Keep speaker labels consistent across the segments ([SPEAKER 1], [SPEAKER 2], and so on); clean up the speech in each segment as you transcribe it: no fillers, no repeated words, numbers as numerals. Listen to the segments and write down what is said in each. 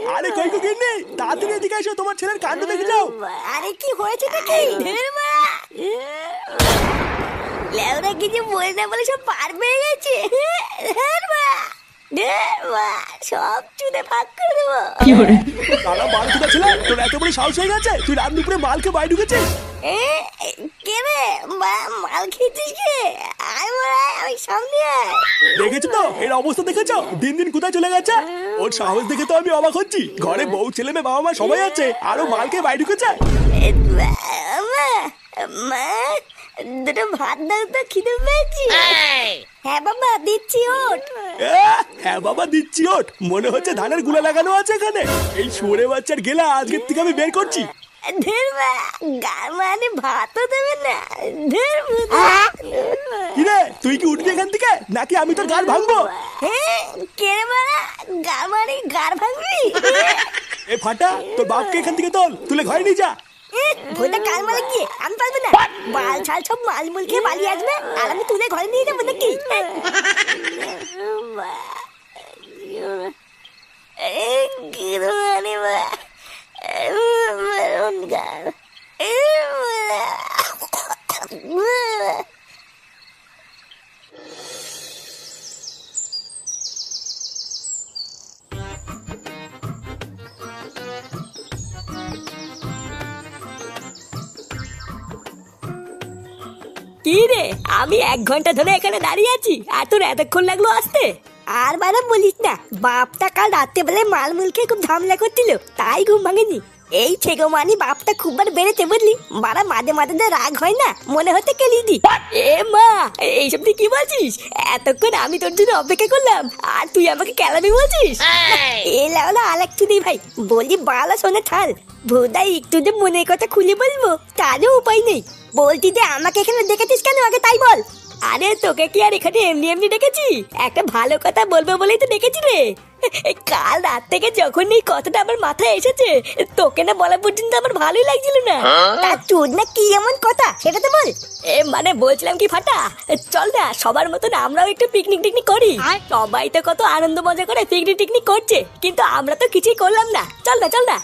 [SPEAKER 1] আরে কই কই গিন্নি, তাড়াতাড়ি এদিকে এসো, তোমার ছেলের কাণ্ড দেখে যাও।
[SPEAKER 2] আরে কি হয়েছে নাকি? লেওরা কিছু বলে না বলে সব পার পেয়ে গেছে। সব চুদে ভাগ করে দেবো।
[SPEAKER 1] তারা মাল কোথা ছিল, তোর এত বড় সাহস হয়ে গেছে তুই রাত দুপুরে মালকে বাইরে ঢুকেছিস?
[SPEAKER 2] কে রে মাল খেয়েছিস কে? আমি সামনে
[SPEAKER 1] দেখেছো তো এর অবস্থা, দেখেছো দিন দিন কোথায় চলে গেছে। ওর সাহস দেখে তো আমি অবাক হচ্ছি। ঘরে বউ ছেলে মেয়ে বাবা মা সবাই আছে, আরো মালকে বাইরে ঢুকেছে।
[SPEAKER 2] মা দুটো ভাত দাও তো, খিদে পেয়েছি। হ্যাঁ বাবা দিচ্ছি, ওঠ।
[SPEAKER 1] হ্যাঁ বাবা দিচ্ছি, ওঠ। মনে হচ্ছে ধানের গুলা লাগানো আছে এখানে। এই শুয়োরে বাচ্চার গেলা আজকের থেকে আমি বের করছি।
[SPEAKER 2] গার মানে ভাতও দেবে না।
[SPEAKER 1] কিরে তুই কি উঠবি এখান থেকে নাকি আমি তোর গাড় ভাঙবো?
[SPEAKER 2] কে রে বাড়া, গার মানে গার ভাঙবি?
[SPEAKER 1] এ ফাটা, তোর বাপকে এখান থেকে তোল, তুলে ঘরে নিয়ে যা।
[SPEAKER 2] ভোটা কার মারে গিয়ে আমি পারবো না। মাল ছাল সব মাল মুল খেয়ে পালিয়ে আসবে আর আমি তুলে ঘরে নিয়ে যাবো নাকি? কি রে, আমি 1 ঘন্টা ধরে এখানে দাঁড়িয়ে আছি আর তোর এতক্ষণ লাগলো আসতে? আর বারা বলিস না, বাপটা কাল রাতে বেলা মাল মুল খেয়ে খুব ঝামেলা করছিল, তাই ঘুম ভাঙেনি। এই ছেগো মানি বাপটা খুব বার বেড়েছে বুঝলি। বারা মাঝে মাঝে যা রাগ হয় না, মনে হতে কেলি দি। এ মা, এইসব তুই কি বলছিস? এতক্ষণ আমি তোর জন্য অপেক্ষা করলাম আর তুই আমাকে কেলামি বলছিস? এ লাউলা আলেক তুই ভাই, বলি বালা শোনে ঠাল। ভোদাই একটু যে মনের কথা খুলে বলবো তারও উপায় নেই। বলতি যে আমাকে এখানে দেখেছিস কেন, আগে তাই বল। আরে তোকে কি আর এখানে এমনি এমনি ডেকেছি? একটা ভালো কথা বলবো বলেই তো ডেকেছি রে। কাল রাত থেকে যখন এই কথাটা আমার মাথায় এসেছে, তোকে না বলা পর্যন্ত আমার ভালোই লাগছিল না। তার চোদ না কি এমন কথা সেটা তো বল। মানে বলছিলাম কি ফাটা, চল না সবার মতন আমরাও একটু পিকনিক টিকনিক করি। সবাই তো কত আনন্দ মজা করে পিকনিক টিকনিক করছে, কিন্তু আমরা তো কিছুই করলাম না। চল না চল না।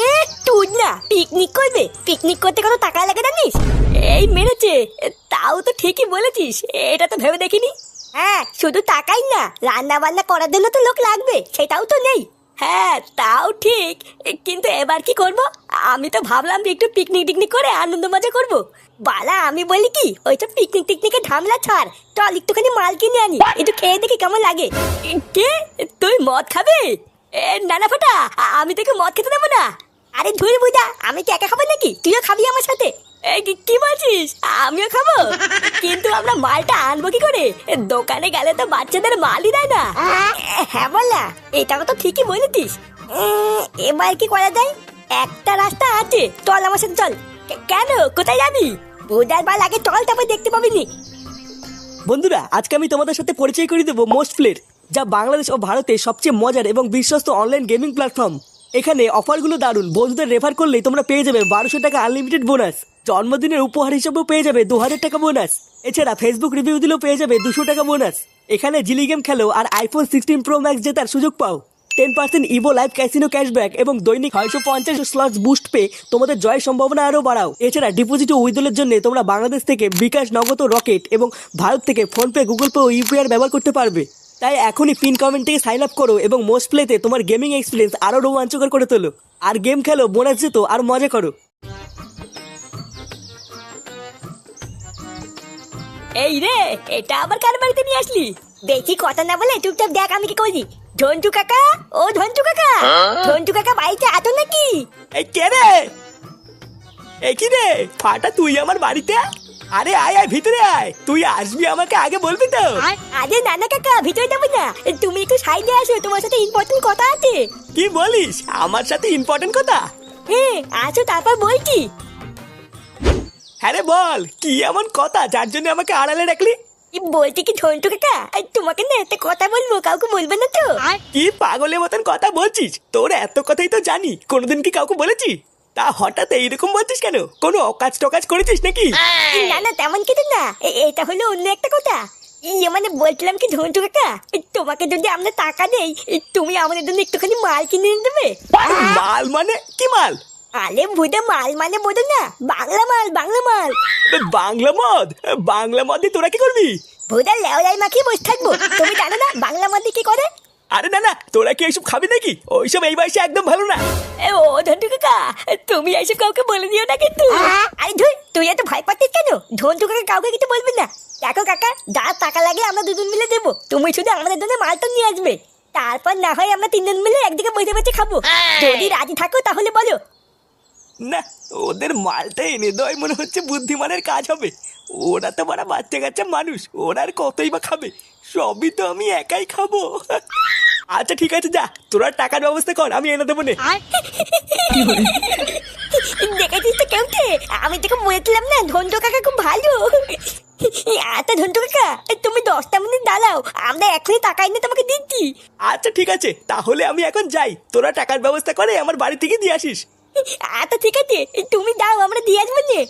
[SPEAKER 2] তুই না পিকনিক করবে? পিকনিক করতে কত টাকা লাগে জানিস? এই মেরেছে, তাও তো ঠিকই বলেছিস, এটা তো ভেবে দেখিনি। হ্যাঁ, শুধু টাকাই না, রান্না বান্না করার জন্য তো লোক লাগবে, সেটাও তো নেই। হ্যাঁ তাও ঠিক, কিন্তু এবার কি করব? আমি তো ভাবলাম যে একটু পিকনিক টিকনিক করে আনন্দ মজা করব। বালা আমি বলি কি, ওইসব পিকনিক টিকনিকে ঝামেলা ছাড়, চল একটুখানি মাল কিনে আনি, একটু খেয়ে দেখি কেমন লাগে। কে, তুই মদ খাবে? না না ফাটা, আমি তোকে মদ খেতে দেবো না। আরে ধুর বুঝা, আমি কি একা খাবো নাকি? তুইও খাবি আমার সাথে? কি বলছিস? আমিও খাবো? কিন্তু আমরা মালটা আনবো কি করে? দোকানে গেলে তো বাচ্চাদের মালই দেয় না। হ্যাঁ বললা, এটা তো ঠিকই বলেছিস। এবার কি করা যায়? একটা রাস্তা আছে, চল আমার সাথে চল। কেন, কোথায় যাবি? বুঝার বাল আগে চল, তারপর দেখতে পাবি নি।
[SPEAKER 3] বন্ধুরা, আজকে আমি তোমাদের সাথে পরিচয় করে দেবো মোস্ট প্লের, যা বাংলাদেশ ও ভারতে সবচেয়ে মজার এবং বিশ্বস্ত অনলাইন গেমিং প্ল্যাটফর্ম। এখানে অফারগুলো দারুণ, বন্ধুদের রেফার করলেই তোমরা পেয়ে যাবে 1200 টাকা আনলিমিটেড বোনাস, জন্মদিনের উপহার হিসেবেও পেয়ে যাবে 2000 টাকা বোনাস। এছাড়া ফেসবুক রিভিউ দিলেও পেয়ে যাবে 200 টাকা বোনাস। এখানে জিলি গেম খেলো আর আইফোন 16 প্রো ম্যাক্স জেতার সুযোগ পাও। 10% ইভো লাইভ ক্যাসিনো ক্যাশব্যাক এবং দৈনিক 650 স্লটস বুস্ট পেয়ে তোমাদের জয়ের সম্ভাবনা আরও বাড়াও। এছাড়া ডিপোজিট ও উইথড্রলের জন্য তোমরা বাংলাদেশ থেকে বিকাশ, নগদ ও রকেট এবং ভারত থেকে ফোনপে, গুগল পে ও ইউপিআই ব্যবহার করতে পারবে। তাই এখনই পিন কমেন্ট থেকে সাইন আপ করো এবং মোস্ট প্লেতে তোমার গেমিং এক্সপিরিয়েন্স আরও রোমাঞ্চকর করে তোলো। আর গেম খেলো, বোনাস যেতো আর মজা করো।
[SPEAKER 2] এই রে, এটা আবার কার বাড়িতে নিয়ে আসলি? বেশি কথা না বলে চুপচাপ দেখ আমি কি করি। ঝন্টু কাকা, ও ঝন্টু কাকা, ঝন্টু কাকা বাড়িতে আতো নাকি?
[SPEAKER 1] এই কে রে? এই কি রে ফাটা, তুই আমার বাড়িতে? আরে আয় আয়, ভিতরে আয়। তুই আসবি আমাকে আগে বলবি তো।
[SPEAKER 2] আরে নানা কাকা, ভিতরে যাবো না, তুমি একটু সাইডে আসো, তোমার সাথে ইম্পর্টেন্ট কথা আছে।
[SPEAKER 1] কি বলিস? আমার সাথে ইম্পর্টেন্ট কথা?
[SPEAKER 2] হ্যাঁ আসো, তারপর বলছি।
[SPEAKER 1] হ্যাঁ রে বল, কি এমন কথা যার জন্য আমাকে আড়ালে রাখলি?
[SPEAKER 2] বলছি কি ঝন্টু কাকা, তোমাকে না একটা কথা বলবো, কাউকে বলবে না তো?
[SPEAKER 1] কি পাগলের মতন কথা বলছিস? তোর এত কথাই তো জানি, কোনোদিন কি কাউকে বলেছি? তা হঠাৎ এইরকম বলছিস কেন? কোনো অকাজ টকাজ করেছিস নাকি?
[SPEAKER 2] না না, তেমন কিছু না, এটা হলো অন্য একটা কথা। ইয়ে মানে বলছিলাম কি ঝন্টু কাকা, তোমাকে যদি আমরা টাকা দেই তুমি আমাদের জন্য একটুখানি মাল কিনে এনে দেবে?
[SPEAKER 1] মাল মানে কি মাল?
[SPEAKER 2] আরে ভুদা মাল মানে বোঝো না, বাংলা মাল বাংলা মাল।
[SPEAKER 1] বাংলা মদ? বাংলা মদ দিয়ে তোরা কি করবি?
[SPEAKER 2] ভুদা লেওলাই মাখিয়ে বসে থাকবো, তুমি জানো না বাংলা মদ দিয়ে কি করে?
[SPEAKER 1] আরে না না, তোরা কি এইসব খাবি নাকি? ওইসব এই বয়সে একদম ভালো না।
[SPEAKER 2] ও ঝন্টু কাকা, তুমি এইসব কাউকে বলে দিও না কিন্তু। আরে ধুই, তুই এত ভয় পাচ্ছিস কেন? ঝন্টু কাকা কাউকে কিছু বলবি না। দেখো কাকা, যা টাকা লাগে আমরা দুজন মিলে দেবো, তুমি শুধু আমাদের জন্য মালটা নিয়ে আসবে। তারপর না হয় আমরা তিনজন মিলে একদিকে বসে বসে খাবো। যদি রাজি থাকো তাহলে বলো।
[SPEAKER 1] না, ওদের মালটা এনে দেওয়াই মনে হচ্ছে বুদ্ধিমানের কাজ হবে। ওরা তো বড় বাচ্চা কাচ্চা মানুষ, ওরা আর কতই বা খাবে। সবই তো আমি একাই খাবো। আচ্ছা ঠিক আছে, যা তোরা টাকার ব্যবস্থা কর, আমি এনে দেবো নে।
[SPEAKER 2] দেখেছিস তো কেমতে, আমি তোকে বলেছিলাম না ঝন্টু কাকা খুব ভালো। আচ্ছা ঝন্টু কাকা, তুমি 10টা মিনিট দাঁড়াও, আমরা এখনই টাকা এনে তোমাকে দিচ্ছি।
[SPEAKER 1] আচ্ছা ঠিক আছে, তাহলে আমি এখন যাই। তোরা টাকার ব্যবস্থা করে আমার বাড়ি থেকে দিয়ে আসিস।
[SPEAKER 2] আচ্ছা ঠিক আছে, তুমি দাও, আমরা দিয়ে আসবো নে।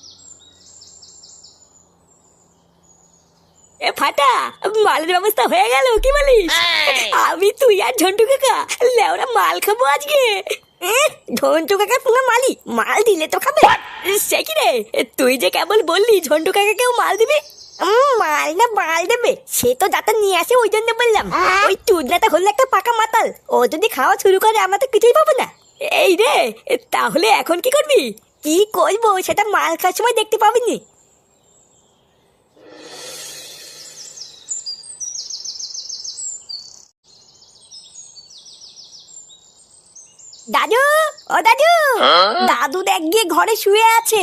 [SPEAKER 2] এ ফাটা, মালের ব্যবস্থা হয়ে গেল কি বলিস? আমি তুই আর ঝন্টু কাকা লেওরা মাল খাবো আজকে। ঝন্টু কাকা পুরো মালি, মাল দিলে তো খাবে। সে কি রে, তুই যে কেবল বললি ঝন্টু কাকাকেও মাল দিবি? মাল না মাল দেবে সে তো যাতে নিয়ে আসে, ওই জন্য বললাম। ওই চুদনাটা হলো একটা পাকা মাতাল, ও যদি খাওয়া শুরু করে আমরা তো কিছুই পাবো না। এই রে, তাহলে এখন কি করবি? কি করবো সেটা মাল খাওয়ার সময় দেখতে পাবিনি। দাদু, ও দাদু, দাদু দেখ গিয়ে ঘরে শুয়ে আছে।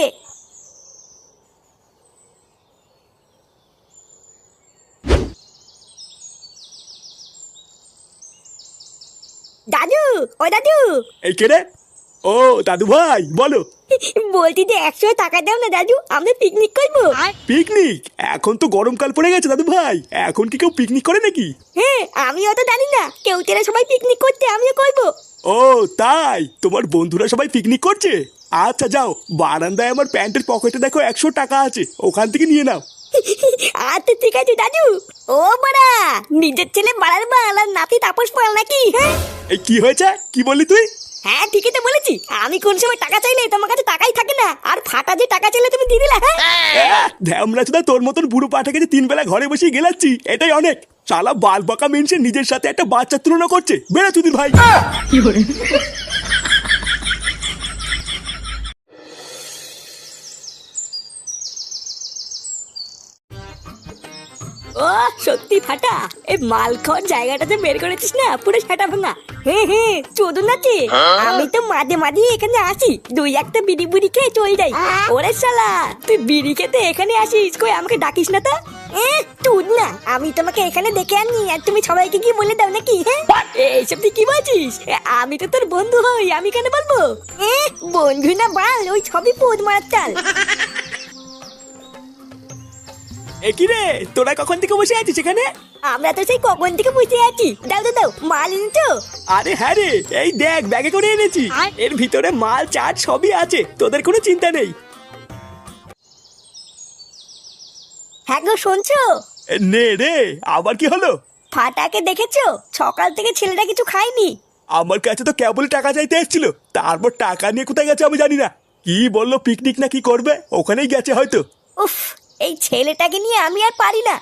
[SPEAKER 2] দাদু, ও দাদু।
[SPEAKER 1] এই কে রে? ও দাদু ভাই, বলো।
[SPEAKER 2] বলছি যে 100 টাকা দাও না দাদু, আমরা পিকনিক করবো।
[SPEAKER 1] পিকনিক? এখন তো গরমকাল পড়ে গেছে দাদু ভাই, এখন কি কেউ পিকনিক করে নাকি?
[SPEAKER 2] হ্যাঁ, আমিও তো জানি না, কেউ তেরা সবাই পিকনিক করতে, আমিও করবো।
[SPEAKER 1] ও তাই, তোমার বন্ধুরা সবাই পিকনিক করছে? আচ্ছা যাও, বারান্দায় আমার প্যান্টের পকেটে দেখো 100 টাকা আছে, ওখান থেকে নিয়ে নাও।
[SPEAKER 2] আচ্ছা ঠিক আছে দাদু। ও বাড়া, নিজের ছেলে বাড়ার বাল আর নাতি তাপস পাল নাকি? হ্যাঁ
[SPEAKER 1] এই কি হয়েছে, কি বললি তুই?
[SPEAKER 2] হ্যাঁ ঠিকই তো বলেছি, আমি কোন সময় টাকা চাইলে তোমার কাছে টাকাই থাকে না, আর ফাটা যে টাকা চাইলে তুমি দিয়ে দিলা। হ্যাঁ
[SPEAKER 1] ধ্যামরা চোদা, তোর মতন বুড়ো পাঠাকে যে 3 বেলা ঘরে বসে গেলাচ্ছি এটাই অনেক। শালা বাল বাঁকা মেনসে নিজের সাথে একটা বাচ্চার তুলনা করছে, বেড়া চুদির ভাই।
[SPEAKER 2] ও সত্যি ফাটা, এই মাল খাওয়ার জায়গাটাতে বের করেছিস না, পুরো সেটা ভাঙা। হ্যাঁ হ্যাঁ, চোদন আছে। আমি তো মাঝে মাঝে এখানে আসি, 2-1টা বিড়ি বুড়ি খেয়ে চলে যাই। ওরে শালা, তুই বিড়ি খেতে এখানে আসিস, কই আমাকে ডাকিস না তো? তুই না, আমি তোমাকে এখানে দেখে আনি আর তুমি সবাইকে কি বলে দাও নাকি? হ্যাঁ এইসব তুই কি বলছিস? আমি তো তোর বন্ধু হই, আমি কেন বলবো? বন্ধু না বাল, ওই সবই পোদ মারার চাল।
[SPEAKER 1] এ কি রে, তোরা কখন থেকে বসে আছিস এখানে?
[SPEAKER 2] আমরা তো সেই কখন থেকে বসে আছি। দাও দাও দাও, মাল এনেছো?
[SPEAKER 1] আরে হ্যাঁ রে, এই দেখ ব্যাগে করে এনেছি, এর ভিতরে মাল চাট সবই আছে, তোদের কোনো চিন্তা নেই।
[SPEAKER 2] হ্যাঁ গো শুনছো?
[SPEAKER 1] নে রে, আবার কি হলো?
[SPEAKER 2] ফাটাকে দেখেছো? সকাল থেকে ছেলেটা কিছু খায়নি।
[SPEAKER 1] আমার কাছে তো কেবল টাকা চাইতে এসেছিল, তারপর টাকা নিয়ে কোথায় গেছে আমি জানি না। কি বললো পিকনিক না কি করবে, ওখানেই গেছে হয়তো।
[SPEAKER 2] উফ, এই ছেলেটাকে নিয়ে আমি আর পারি না।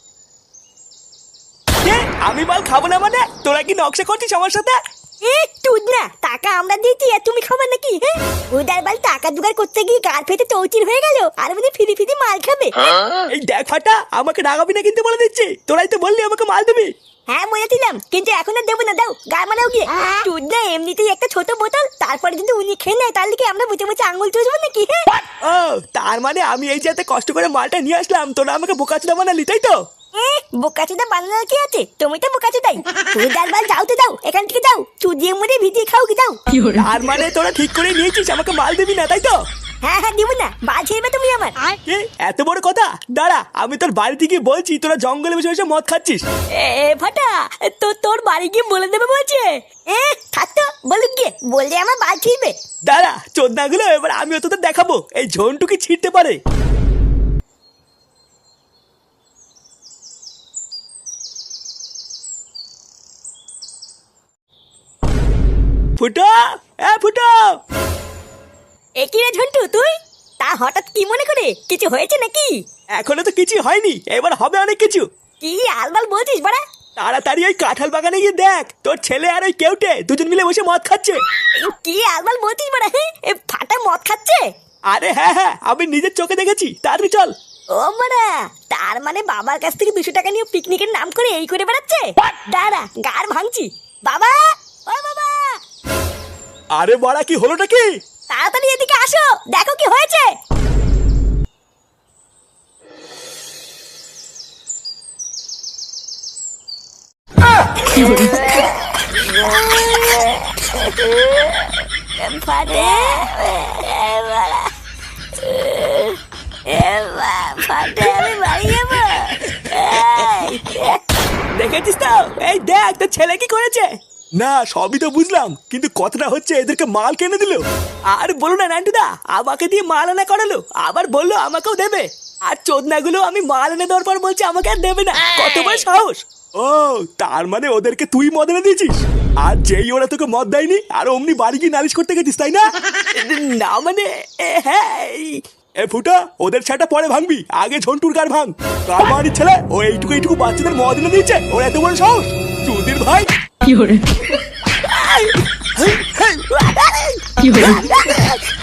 [SPEAKER 1] আমি মাল খাবো না মানে? তোরা কি নকশা করছিস আমার সাথে?
[SPEAKER 2] তুই না, টাকা আমরা দিয়েছি আর তুমি খাবে নাকি? হ্যাঁ উদার বাল, টাকা জোগাড় করতে গিয়ে গাল ফেটে চৌচির হয়ে গেল, আর মানে ফিরি ফিরি মাল খাবে।
[SPEAKER 1] এই দেখ ফাটা, আমাকে রাগাবি না কিন্তু বলে দিচ্ছি, তোরাই তো বললি আমাকে মাল দিবি।
[SPEAKER 2] হ্যাঁ বলেছিলাম, কিন্তু এখন আর দেবো না, দাও গা মারাও গিয়ে। তুই না এমনিতেই একটা ছোট বোতল, তারপরে যদি উনি খেয়ে নেয় তাহলে কি আমরা বুঝে বুঝে আঙুল চুষবো নাকি?
[SPEAKER 1] ও তার মানে আমি এই যে এত কষ্ট করে মালটা নিয়ে আসলাম, তোরা আমাকে বোকাচোদা বানালি তাই তো?
[SPEAKER 2] বোকাচোদা বানানোর কি আছে, তুমি তো বোকাচোদাই। উদার বাল, যাও তো যাও, এখান থেকে যাও, চুদিয়ে মুড়ে ভিজিয়ে খাও কি যাও।
[SPEAKER 1] তার মানে তোরা ঠিক করে নিয়েছিস আমাকে মাল দিবি না তাই তো?
[SPEAKER 2] হ্যাঁ হ্যাঁ, দিব না, বাল ছেড়বে তুমি আমার।
[SPEAKER 1] এত বড় কথা? দাঁড়া, আমি তোর বাড়িতে গিয়ে বলছি তোরা জঙ্গলে বসে বসে মদ খাচ্ছিস।
[SPEAKER 2] ফাটা, তো তোর বাড়ি গিয়ে বলে দেবে বলছে। থাকতো বলুক গিয়ে, বললে আমার বাল ছিড়বে।
[SPEAKER 1] দাঁড়া চোদনাগুলো, এবার আমিও তোদের দেখাবো এই ঝন্টু কি ছিঁড়তে পারে। ফুটো, ফুটো।
[SPEAKER 2] এ কি রে ঝন্টু তুই? তা হঠাৎ কি মনে করে? কিছু হয়েছে নাকি?
[SPEAKER 1] এখনো তো কিছু হয়নি, এবার হবে অনেক কিছু।
[SPEAKER 2] কি আলবাল বলছিস বাড়া?
[SPEAKER 1] তাড়াতাড়ি ওই কাঁঠাল বাগানে গিয়ে দেখ, তোর ছেলে আর ওই কেউটে দুজন মিলে বসে মদ খাচ্ছে।
[SPEAKER 2] কি আলবাল বলছিস বাড়া? এ ফাটা মদ খাচ্ছে?
[SPEAKER 1] আরে হ্যাঁ হ্যাঁ, আমি নিজের চোখে দেখেছি, তাড়াতাড়ি চল।
[SPEAKER 2] ও বাড়া, তার মানে বাবার কাছ থেকে 200 টাকা নিয়ে পিকনিকের নাম করে এই করে বেড়াচ্ছে? দাঁড়া, গাড় ভাঙছি। বাবা, ও বাবা,
[SPEAKER 1] আরে বড়া, কি হলোটা কি?
[SPEAKER 2] তাড়াতাড়ি এদিকে আসো, দেখো কি হয়েছে। ফাটে, ফাটে, আমি বাড়ি যাবো।
[SPEAKER 1] দেখেছিস তো? এই দেখ তোর ছেলে কি করেছে। না, সবই তো বুঝলাম, কিন্তু কথাটা হচ্ছে এদেরকে মাল কিনে দিল। আর বলো না নান্টুদা, আমাকে দিয়ে মাল আনা করালো, আবার বললো আমাকেও দেবে। আর চোদনাগুলো আমি মাল এনে দেওয়ার পর বলছে আমাকে আর দেবে না। কত বড় সাহস! ও, তার মানে ওদেরকে তুই মদ এনে দিয়েছিস, আর যেই ওরা তোকে মদ দেয়নি আর অমনি বাড়ি গিয়ে নালিশ করতে গেছিস, তাই না? না মানে, হ্যাঁ। এ ফুটা, ওদের ছাটা পরে ভাঙবি, আগে ঝন্টুর গার ভাঙ। কার বাড়ির ছেলে ও এইটুকু এইটুকু বাচ্চাদের মদ এনে দিয়েছে, ওর এত বড় সাহস! চুদির ভাই!
[SPEAKER 2] কি হরে?